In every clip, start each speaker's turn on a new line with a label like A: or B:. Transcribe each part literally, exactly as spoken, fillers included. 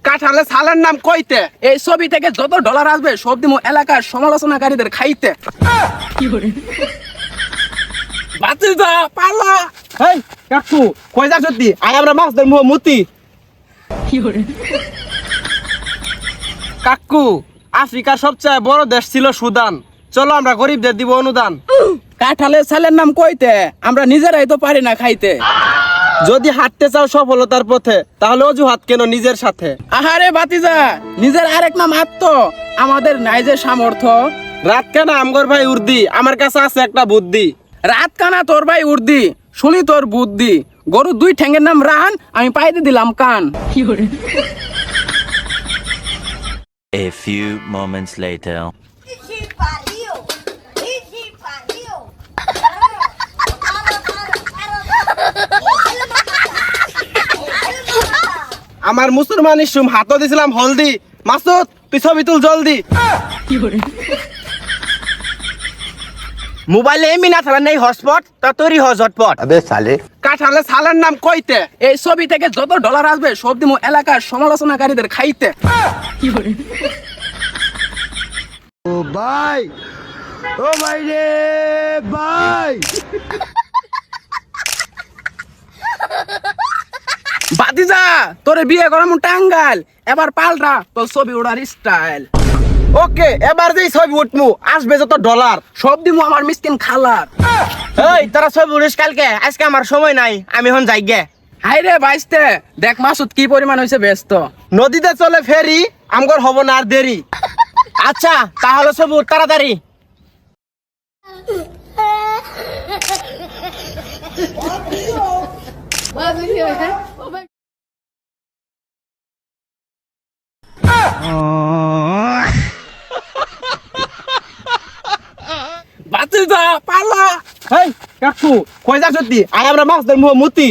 A: কাঁঠালে ছালের নাম কইতে।
B: এই ছবি থেকে যত ডলার আসবে সব দিমু এলাকার সমালোচনাকারীদের খাইতে।
A: বাতিজা পালা। হেই কাকু কই যা সত্যি আয় আমরা মাছ ধরবো মুতি। কাকু আফ্রিকার সবচেয়ে বড় দেশ ছিল সুদান, চলো আমরা গরিবদের দিব অনুদান।
B: কাঁঠালের ছালের নাম কইতে, আমরা নিজেরাই তো পারি না খাইতে।
A: যদি হাঁটতে চাও সফলতার পথে তাহলে অজুহাত কেন নিজের সাথে।
B: আহারে বাতিজা, নিজের আরেক নাম আত্ম, আমাদের নাই যে সামর্থ্য।
A: রাত কেন আমগর ভাই উর্দি, আমার কাছে আছে একটা বুদ্ধি।
B: রাত কানা তোর ভাই উর্দি, শুনি তোর বুদ্ধি। গরুর দুই ঠ্যাঙ্গের নাম রান, আমি পাইতে দিলাম কান।
C: A few moments later.
D: Ixi, pariu! Ixi, pariu!
A: আমার মুসলমান ইসুম হাতও দিছিলাম হলদি। মাসুদ তুই ছবি তুল জলদি।
E: মোবাইলে এমনি না থাকা নেই হটস্পট, তা তোরই হ ঝটপট।
F: अबे साले
A: কাঁঠালে ছালের নাম কইতে।
B: এই ছবি থেকে যত ডলার আসবে সব দিমু এলাকার সমালোচনাকারীদের খাইতে।
F: ओ भाई ओ भाई रे भाई
B: বাতিজা তোরে বিয়ে করাম টাঙ্গাল, এবার পাল্টা তোর ছবি ওড়ার স্টাইল।
A: ওকে এবার যেই ছবি উঠমু আসবে যত ডলার
B: সব দিমু আমার মিসকিন খালার।
E: এই তোরা ছবি উড়িস কালকে, আজকে আমার সময় নাই, আমি এখন যাই গে।
B: হাই রে বাইস্তে, দেখ মাসুদ কি পরিমাণ হয়েছে ব্যস্ত।
A: নদীতে চলে ফেরি, আমগর হব না আর দেরি।
E: আচ্ছা তাহলে ছবি উঠ তাড়াতাড়ি।
B: বাতিজা পালা।
A: হেই কাকু কই যা সত্যি আয় আমরা মাছ ধরবো মুতি।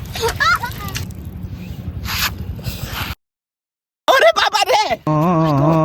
B: ওরে বাবা রে।